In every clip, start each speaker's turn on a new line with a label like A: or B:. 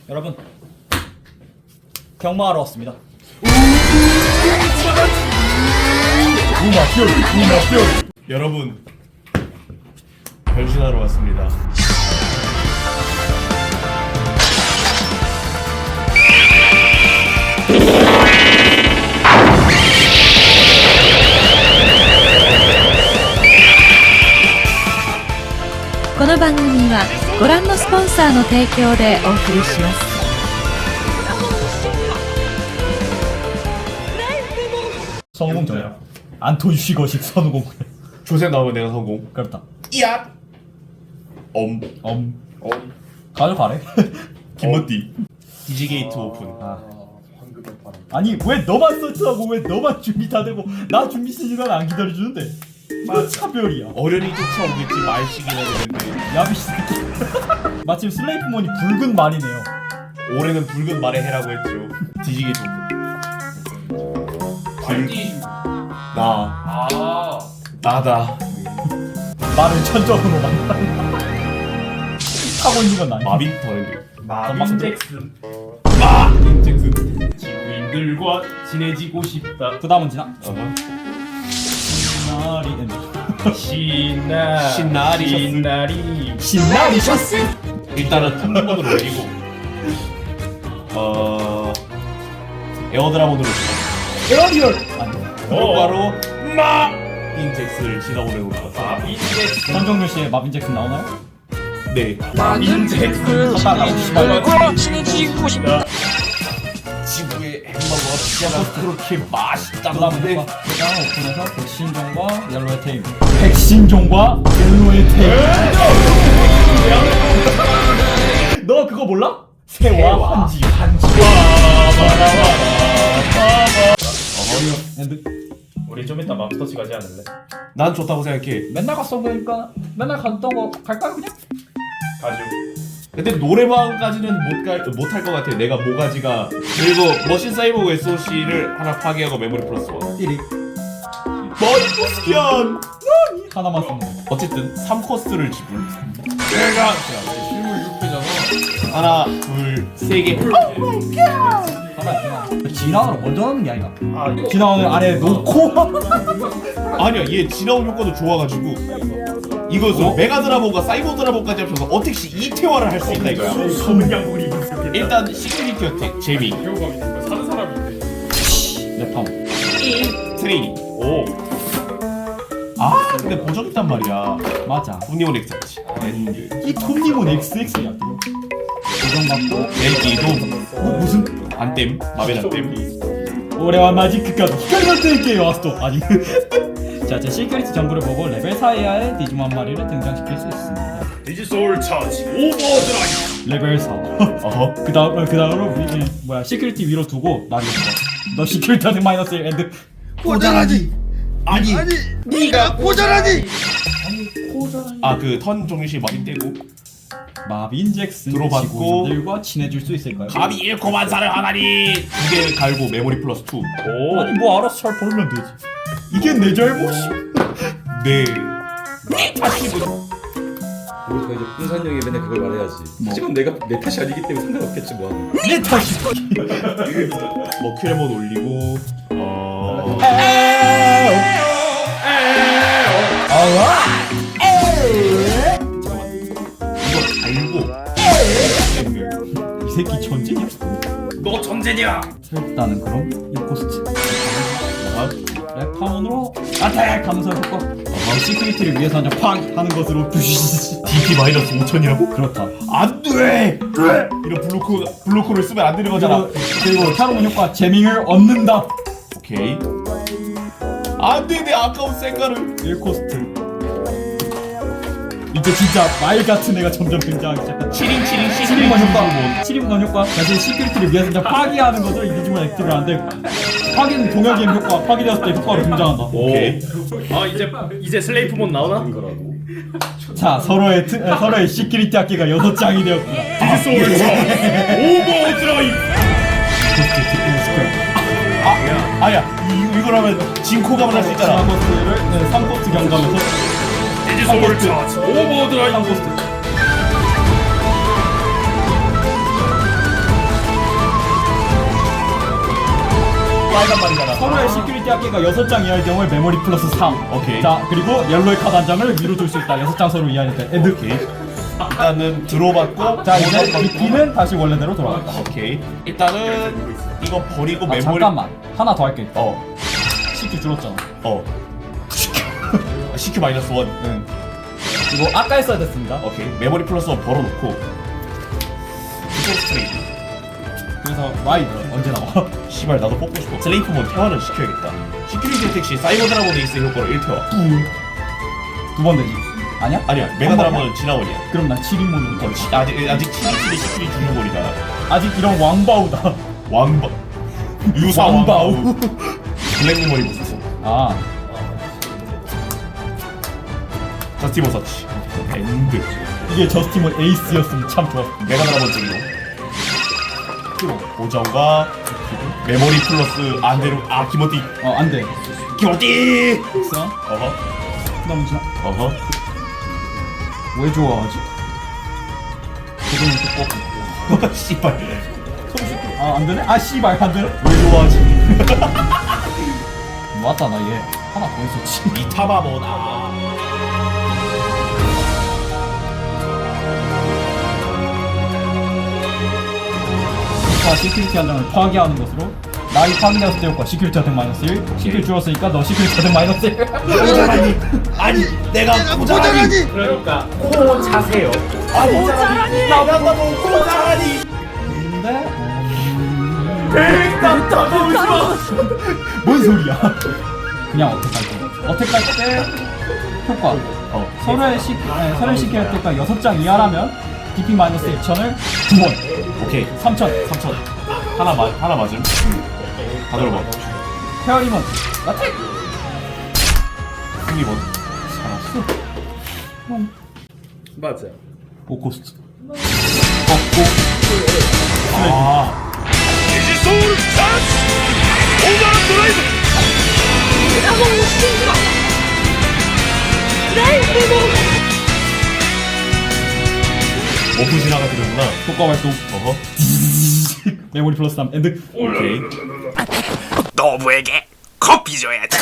A: 여러분 경마하러 왔습니다.
B: 여러분 변신하러 왔습니다.
C: この番組はご覧のスポンサーの提供でお送りします。
A: 성공전이야. 안톤 쉬거식 선우공.
B: 조셉 나오면 내가 성공.
A: 그렇다.
B: 이야.
A: 가져가래.
B: 김머띠. 디지게이트 오픈.
A: 아니 왜 너만 서치하고 왜 너만 준비 다 되고 나 준비 시간 안 기다려주는데? 이거 차별이야.
B: 어련히 쫓아오겠지 말식이나 되는데.
A: 야비씨 새끼. 마침 슬레이프몬이 붉은 말이네요.
B: 올해는 붉은 말에 해라고 했죠. 디지게이트 오픈. 나다.
A: 말을 천적으로 만든다. 타고 있는 건 아니야.
B: 마빈 터렌드.
D: 마빈 잭슨.
B: 마빈 잭슨.
D: 지구인들과 친해지고 싶다.
A: 그 다음은 지나.
D: 신나리.
A: 신나리 셔츠.
B: 일단은 탐문을 올리고 에어드라곤으로
A: 에어리얼. 아니.
B: 바로 마빈 잭슨을 지나보내고 있었어.
D: 마빈 잭슨.
A: 선정률 씨의 마빈 잭슨 나오나요?
B: 네.
D: 마빈 잭슨. 친해지고 싶다.
B: 지구의 햄버거 피자가 그렇게 맛있다고
A: 그다음은
B: 하는데
A: 그다음 오픈해서 백신종과 옐로의 테이블. 백신종과 옐로의 테이블. 너 그거 몰라? 새와 한지. 엔드.
D: 우리 좀 이따 맘스터치 가지 않을래?
B: 난 좋다고 생각해.
A: 맨날 갔어 보니까 맨날 갔던 거 갈까 그냥?
D: 가죠.
B: 근데 노래방까지는 못할 것 같아. 내가 모가지가. 그리고 머신 사이보그 SOC를 하나 파괴하고 메모리 플러스 1
A: 1위
B: 머리포스견.
A: 하나만 쓰면 돼.
B: 어쨌든 3코스를 지불.
D: 내가 실물 6배잖아.
B: 하나 둘3개.
A: 하나 진화를 먼저 하는 게 아니라
D: 아 이거
A: 진화를 아래 놓고
B: 아니야, 얘 지나온 효과도 좋아가지고 이것으로 메가드라몬과 사이버드라몬까지 합쳐서 어택시 2태화를 할 수 있다 이거야.
D: 검은 양복을 입을 수 있겠다.
B: 일단 시큐리티 어택 재미.
D: 배우감 있는 거 사는 사람인데.
A: 랩함
B: 트레이닝.
D: 오.
B: 근데 보정 있단 말이야.
A: 맞아.
B: 톱니온 엑스치.
A: 이 톱니몬 XX야. 고정받고
B: nel기도
A: 무슨
B: 안땜 마벨 안땜.
A: 올해와 마지크까지 히카리노 테이크에 왔어. 아니 자, 제 시큐리티 정보를 보고 레벨 4 이하의 디지몬 한 마리를 등장시킬 수 있습니다.
D: 디지솔 차지 오버드라이브.
A: 레벨 4.
B: 어허.
A: 그다음으로 시큐리티 위로 두고 나뉘어. 너 시큐리티한테 마이너스 1 엔드.
B: 고전하지. 아니.
D: 네가 고전하지.
B: 그 턴 종류시 마빈 떼고
A: 마빈 잭슨
B: 들어봤고.
A: 지구인들과 친해질 수 있을까요?
B: 감히 잃고 만사를 하다니. 2개 갈고 메모리 플러스 2.
D: 오.
A: 아니 뭐 알아서 잘 벌면 되지. 이게 내 잘못이.
B: 네. 다시
E: 우리가 이제 분산형이 맨날 그걸 말해야지. 하지만 내가 내 탓이 아니기 때문에 상관없겠지 뭐 하는.
A: 내 탓이.
B: 머큐레몬 올리고 이거 갈고
A: 이 새끼 전쟁이야?
D: 너 전쟁이야.
A: 일단은 그럼 이 코스트 랩파운으로 아택 하면서 효과 시큐리티를 위해서 한장 팡 하는 것으로 부시시시.
B: DP 마이너스 5천이라고?
A: 그렇다.
B: 안돼! 이런 블로커를 쓰면 안 되는 거잖아.
A: 그리고 캐로몬 효과 재밍을 얻는다.
B: 오케이. 안돼, 내 아까운 생가를.
A: 1코스트. 이제 진짜 말 같은 애가 점점 등장하기 시작한다. 7인권 효과. 7인권 효과. 다시 시큐리티를 위해서 그냥 파괴하는 것을 이 디지몬 액티브를 하는데 파괴는 동혁의 효과. 파괴되었을 때 효과로 등장한다.
B: 오케이.
D: 아 이제 슬레이프몬 나오나?
A: 자, 서로의 시큐리티 학계가 6장이 되었구나.
D: 디지솔 차지 오버드라이브.
B: 아야, 이걸 하면 진코감을 할 수 있잖아.
A: 3코스를 3코스 경감에서
D: 디지솔 차지 오버드라이브.
A: 3코스트
B: 빨간 말이잖아.
A: 서로의 시큐리티 합계가 6장 이하일 경우에 메모리 플러스 3.
B: 오케이.
A: 자, 그리고 옐로의 카드 한 장을 위로 둘 수 있다. 6장 서로 이하니까. 엔드.
B: 일단은 들어봤고.
A: 자, 이제 DP는 다시 원래대로 돌아간다.
B: 오케이. 일단은 이거 버리고
A: 아,
B: 메모리.
A: 잠깐만. 하나 더 할게.
B: 어.
A: CQ 줄었잖아.
B: CQ 마이너스 1.
A: 응. 이거 아까 했어야 됐습니다.
B: 오케이. 메모리 플러스 1 벌어놓고. 슈퍼 스트레이트.
A: 그래서 Y 언제 나와?
B: 씨발 나도 뽑고 싶어. 슬레이프몬 태화를 시켜야겠다. 시큐리티 택시 사이버 드라곤 에이스 효과로 1태화.
A: 두 번 되지. 아니야?
B: 아니야. 메가 드라곤은 지나원이야.
A: 그럼 난 7인문으로 더.
B: 아직 7이 시큐리 중요골이다.
A: 아직 이런 왕바우다.
B: 왕바. 유사
A: 왕바우.
B: 왕바우. 블랙 메모리 보소서.
A: 아,
B: 저스티버 서치. 엔드.
A: 이게 저스티몬 에이스였으면 참 좋았을 텐데.
B: 메가 드라곤 찍로. 고정과 메모리 플러스 안대로 기모띠.
A: 안 돼.
B: 기모띠.
A: 있어?
B: 어허.
A: 너무 지나.
B: 어허.
A: 왜 좋아하지? 그거는 또 꼭.
B: 씨발.
A: 안 되네? 아, 씨발, 안 되네?
B: 왜 좋아하지?
A: 맞다, 나 얘 하나 더 있었지.
B: 이타마모나.
A: 자, 시큐리티 한 장을 파괴하는 것으로 나이 파괴되었을 때 효과 시큐리티 어택 마이너스 1. 시큐리티 줄었으니까 너 시큐리티 어택 마이너스 1.
B: 모자라니. 아니 내가 모자라니.
D: 그러니까 코 차세요.
B: 아니 모자라니. 나보고 모자라니.
A: 근데
B: 뭔 소리야?
A: 그냥 어택할 때. 어택할 때 효과. 서로의 시큐리티 혜택가 6장 이하라면 DP 마이너스 2,000을 2번.
B: 오케이.
A: 3,000.
B: 3천. 하나 맞음. 다 들어봐.
A: 페어리먼 어택.
B: 승리본.
D: 맞아.
A: 오코스트.
B: 아. 오프 지나가 되는구나.
A: 효과 발동.
B: 어허.
A: 메모리 플러스 3 엔드.
B: 오케이.
D: 너부에게 커피 줘야지.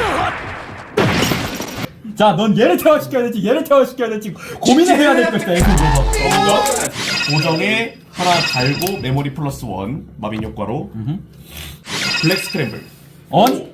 A: 자, 넌 얘를 퇴화시켜야 될지 얘를 퇴화시켜야 될지 고민을 해야 될 것이다. 얘를
B: 고정에 하나 달고 메모리 플러스 1 마빈 효과로 블랙 스크램블.
A: 언.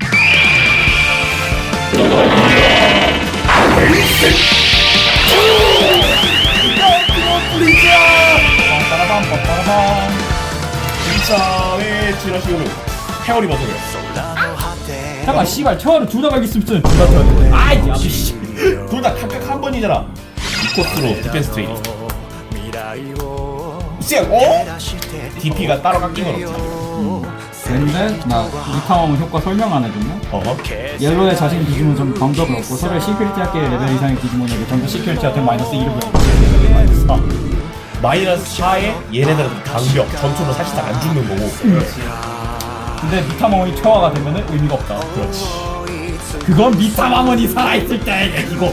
A: 빠라밤.
B: 진짜의 지라시오는 페어리 버전이야.
A: 잠깐, 씨발, 퇴화를 둘 다 갈기 있으면 둘다 퇴화 되네. 아이, 야비씨.
B: 둘 다 각각 한 번이잖아. 이 코스로 디펜스 트레이닝. DP가 따로 깎인 건 없지.
A: 근데 나 리카왕 효과 설명 안 해줬네.
B: 어허.
A: 옐로의 자신 디지몬 좀 방법을 얻고 서로의 시큐리티 학계 레벨 이상의 디지몬에게 전부 시큐리티 학계 마이너스 1을 배우고 마이너스 4.
B: 마이너스 4에 얘네들은 강력, 전투로 사실상 안 죽는 거고.
A: 근데 미타마몬이 퇴화가 되면은 의미가 없다.
B: 그렇지.
A: 그건 미타마몬이 살아있을 때 얘기고.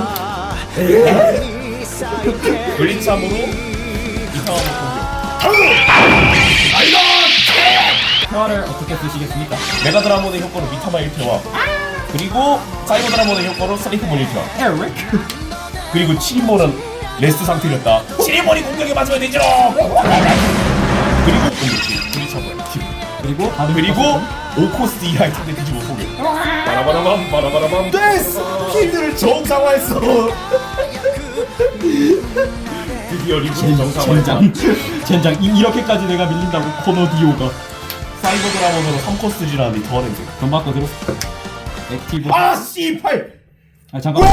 B: 블리참으로 이상한 공격.
A: 퇴화를 어떻게 쓰시겠습니까?
B: 메가드라몬의 효과로 미타마 1태화. 그리고 사이버 드라몬의 효과로 슬레이프몬 1태화.
A: 에릭.
B: 그리고 7인몬은 레스트 상태였다. 7인몬이 공격에 맞으면 되죠. 그리고 공격시 블리참을
A: 그리고 다들
B: 그리고 5코스 이하의 상대 뒤집어 소개.
D: 바라바라밤 바라바라밤.
B: 됐어! 필드를 정상화했어.
D: 드디어 리본 정상화.
A: 젠장 이렇게까지 내가 밀린다고 코노디오가
B: 사이버 드라몬으로 3코스 지나는데 더 하는데.
A: 돈 받고 들어. 액티브.
B: 아 씨발!
A: 잠깐만.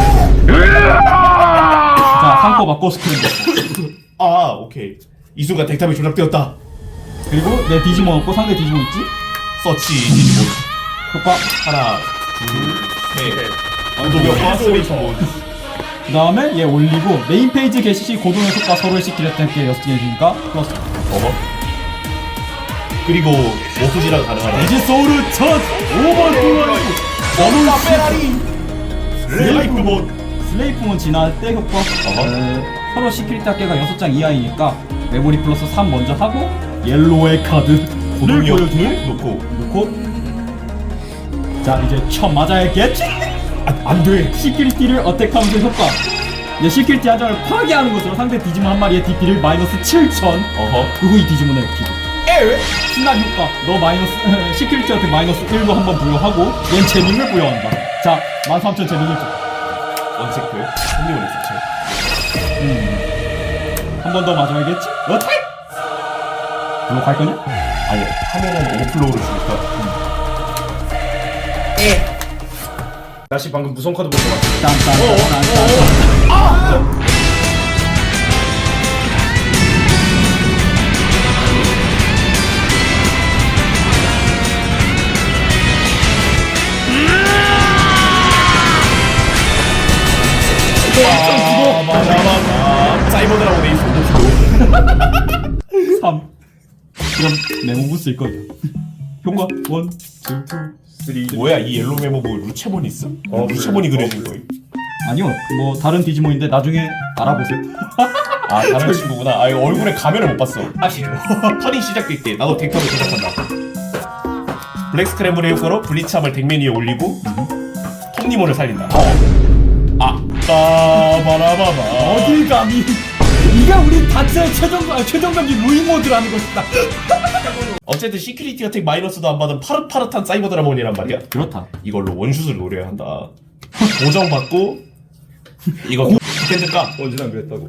A: 자, 상코 바꿔 스크린.
B: 아 오케이. 이 순간 덱탑이 조작되었다.
A: 그리고 내 디지몬 없고 상대 디지몬 있지?
B: 서치 디지몬.
A: 효과.
B: 하나, 둘, 셋. 고동력과 슬레이프몬.
A: 그 다음에 얘 올리고 메인 페이지 게시 시 고동의 효과 서로의 시키를 땡게 6개 해주니까 플러스.
B: 어허. 그리고 오프지랑 가능하다.
A: 에지 소울을 첫 5번 뚫어주고
B: 너무나 페라리. 슬레이프몬.
A: 슬레이프몬 지날 때 효과. 서로 시큐리티 합계가 6장 이하이니까 메모리 플러스 3 먼저 하고 옐로의 카드
B: 고동이 형
A: 보여줘.
B: 놓고
A: 자 이제 쳐 맞아야겠지.
B: 안돼.
A: 시큐리티를 어택하면서 효과. 이제 시큐리티 한 장을 파괴하는 것으로 상대 디지몬 한 마리의 DP를 마이너스 7,000.
B: 어허.
A: 그 후 이 디지몬을 액티브.
B: 에?
A: 신난 효과. 너 마이너스 시큐리티 어택 마이너스 1로 한번 부여하고 얜 제닝을 부여한다. 자 13,000 제닝 1점.
B: 언체크. 손님을 했었죠.
A: 한 번 더 맞아야겠지? 어택! 이거 갈 거냐?
B: 아니 하면은 오버플로우를 주니까.
D: 다시 방금 무성 카드 본 거 같아.
A: 딴딴딴딴딴.
B: 사이버 드라곤 에이스 오버플로우.
A: 3. 그럼 메모부 쓸 거야. 효과 1, 2, 3.
B: 뭐야 이 옐로우 메모부 루체몬 있어? 루체몬이 그려진 거예요.
A: 아니요, 뭐 다른 디지몬인데 나중에 알아보세요.
B: 아 다른 친구구나. 아 이거 얼굴에 가면을 못 봤어. 턴이 시작될 때 나도 덱터를 조작한다. 블랙 스크램블의 효과로 블리참을 덱맨 위에 올리고 톱니몬을 살린다. 아 빠바라바바.
A: 어딜 감히? 네가 우리 단체의 최종병기 루인 모드라는 것이다.
B: 어쨌든 시큐리티 어택 마이너스도 안 받은 파릇파릇한 사이버 드라몬이란 말이야.
A: 그렇다.
B: 이걸로 원슛을 노려야 한다. 보정받고 이거 디펜드 까.
E: 언제나 그랬다고.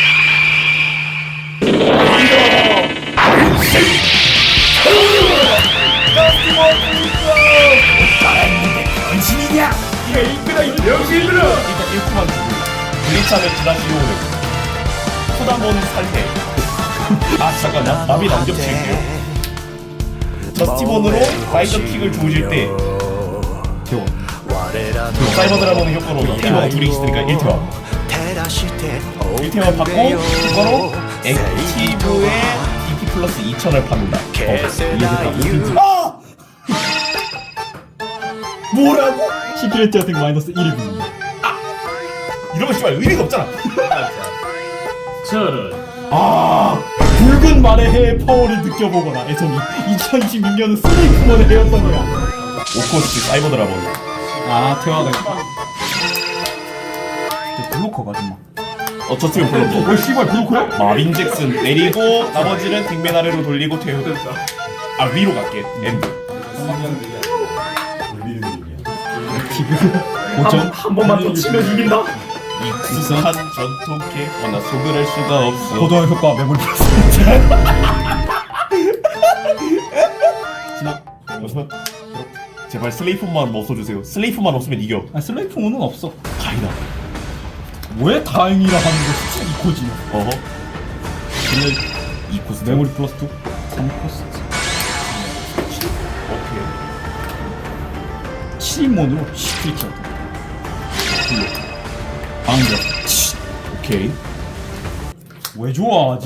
B: 변신이냐?
D: 이가 이끄다 역시 이끌어.
B: 일단 1코만 주고 블리참을 드라시오를 소다몬 살해. 아 잠깐 나비 안 겹칠게요. 저스티몬으로 라이더 킥을 조질 때
A: 태워.
B: 사이버 드라몬의 효과로 이태원 둘이 있으니까 1태원 1태원 받고 그거로 액티브에 DP 플러스 2000을 받는다. 아! 뭐라고?
A: 시큐리티 어택 마이너스 1을 붓는다.
B: 이러면 씨발 의미가 없잖아.
D: 저런.
B: 아
A: 붉은 말의 해의 파워를 느껴보거나 애송이 2026년은 슬레이크몬의 해였던 거야.
B: 오코스 사이버 드라몬.
A: 아 태화가 있다. 저 블로커가 정말.
B: 어쩌면 불렀고
A: 왜 씨발 블로커야?
B: 마빈 잭슨 내리고 나머지는 빅맨 아래로 돌리고 퇴우. 아 위로 갈게. 엔드.
A: 고점
D: 한 번만 더 치면 이긴다.
B: 이 구수한 전통캐 나 속을 수가 없어.
A: 고도의 효과 매몰 플러스. 지나.
B: 제발 슬레이프만 없어주세요. 슬레이프만 없으면 이겨.
A: 아 슬레이프몬은 없어.
B: 다이다.
A: 왜 다행이라 하는 것이지 이 코지.
B: 어허.
A: 근데
B: 이 구스
A: 메모리 플러스 2 3 플러스
B: 오케이.
A: 7인몬으로 시큐리티 어택. 방벽.
B: 오케이.
A: 왜 좋아하지?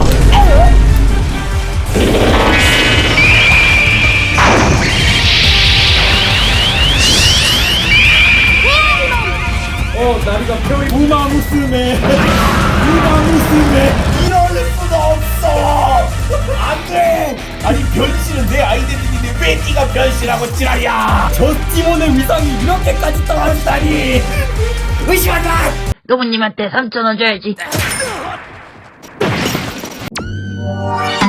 D: 나리가 펴이.
A: 우마무스메 우마무스메.
B: 이럴 수가 없어. 안돼. 아니 변신은 내 아이덴티티인데 왜 네가 변신하고 지랄이야?
A: 저 티몬의 위상이 이렇게까지 떨어지다니.
B: 의심한다.
F: 노부님한테 3,000원 줘야지.